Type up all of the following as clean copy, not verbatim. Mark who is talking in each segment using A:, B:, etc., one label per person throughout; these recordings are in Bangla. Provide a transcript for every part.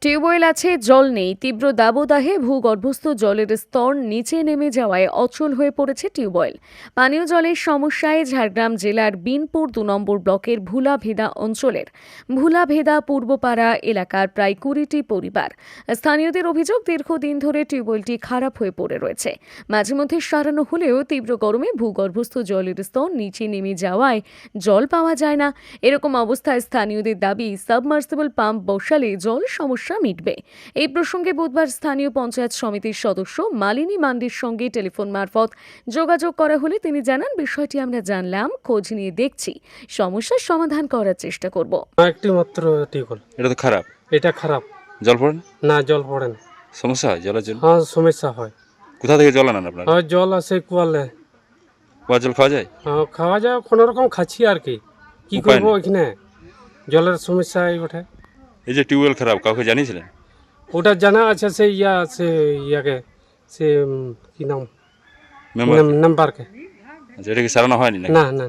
A: টিউবওয়েল আছে, জল নেই। তীব্র দাবদাহে ভূগর্ভস্থ জলের স্তর নিচে নেমে যাওয়ায় অচল হয়ে পড়েছে টিউবওয়েল। পানীয় জলের সমস্যায় ঝাড়গ্রাম জেলার বিনপুর ২ নম্বর ব্লকের ভুলাভেদা অঞ্চলের ভুলাভেদা পূর্বপাড়া এলাকার প্রায় ২০টি পরিবার। স্থানীয়দের অভিযোগ, দীর্ঘদিন ধরে টিউবওয়েলটি খারাপ হয়ে পড়ে রয়েছে। মাঝে মধ্যে সারানো হলেও তীব্র গরমে ভূগর্ভস্থ জলের স্তর নিচে নেমে যাওয়ায় জল পাওয়া যায় না। এরকম অবস্থায় স্থানীয়দের দাবি, সাবমার্সিবল পাম্প বসালে জল সমস্যা মিটবে। এই প্রসঙ্গে বুধবার স্থানীয় পঞ্চায়েত সমিতির সদস্য মালিনী মান্ডির সঙ্গে টেলিফোন মারফত যোগাযোগ করা হলে তিনি জানান, বিষয়টি আমরা জানলাম, খোঁজ নিয়ে দেখছি, সমস্যার সমাধান করার চেষ্টা করব।
B: একটি মাত্র টিউবওয়েল।
C: এটা তো খারাপ।
B: এটা খারাপ।
C: জল পড়ে না?
B: না, জল পড়ে না।
C: সমস্যা হয় জলের জন্য?
B: হ্যাঁ, সমস্যা হয়।
C: কোথা থেকে জল আনেন আপনারা?
B: হ্যাঁ, জল আসে কুয়ালে।
C: কুয়ার জল খাওয়া যায়?
B: হ্যাঁ, খাওয়া যায়, কোনো রকম খাচ্ছি আর কি
C: উপায়
B: করবো
C: নেই।
B: এখানে জলের সমস্যা ওঠে।
C: এই যে টিউবওয়েল খারাপ, কাউকে জানিয়েছিলেন?
B: ওটা জানা আছে, সে ইয়াকে সে কি নাম
C: মেম্বার?
B: নাম্বারকে।
C: আচ্ছা, এটা কি সারানো হয়নি নাকি?
B: না না,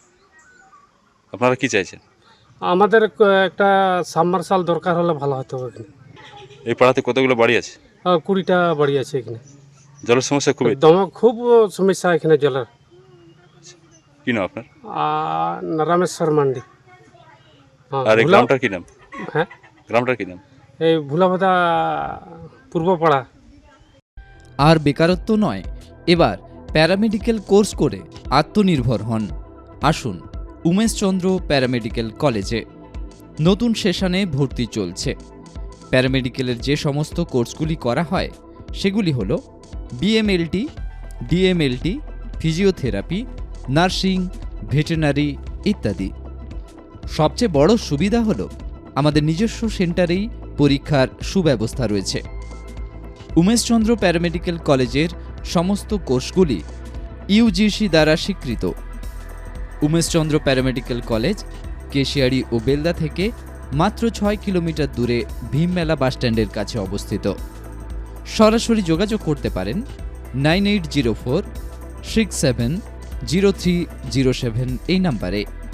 C: আপনারা কি চাইছেন?
B: আমাদের একটা সাবমার্শাল দরকার হলে ভালো হতো এখানে।
C: এই পাড়াতে কতগুলো বাড়ি আছে?
B: 20টা বাড়ি আছে এখানে।
C: জলের সমস্যা খুবই।
B: খুব সমস্যা এখানে জলের।
C: কি নাম আপনার?
B: রামেশ্বর মান্ডি। হ্যাঁ,
C: আর এই গ্রামটার কি নাম?
B: হ্যাঁ,
C: গ্রামটার কি নাম?
B: এই ভুলাভেদা পূর্বপাড়া।
D: আর বেকারত্ব নয়, এবার প্যারামেডিক্যাল কোর্স করে আত্মনির্ভর হন। আসুন উমেশচন্দ্র প্যারামেডিক্যাল কলেজে। নতুন সেশনে ভর্তি চলছে। প্যারামেডিক্যালের যে সমস্ত কোর্সগুলি করা হয় সেগুলি হল BMLT, DMLT, physiotherapy, nursing, veterinary ইত্যাদি। সবচেয়ে বড় সুবিধা হল আমাদের নিজস্ব সেন্টারেই পরীক্ষার সুব্যবস্থা রয়েছে। উমেশচন্দ্র প্যারামেডিক্যাল কলেজের সমস্ত কোর্সগুলি ইউজিসি দ্বারা স্বীকৃত। উমেশচন্দ্র প্যারামেডিক্যাল কলেজ কেশিয়াড়ি ও বেলদা থেকে মাত্র 6 কিলোমিটার দূরে ভীমমেলা বাসস্ট্যান্ডের কাছে অবস্থিত। সরাসরি যোগাযোগ করতে পারেন 9804 670307 এই নাম্বারে।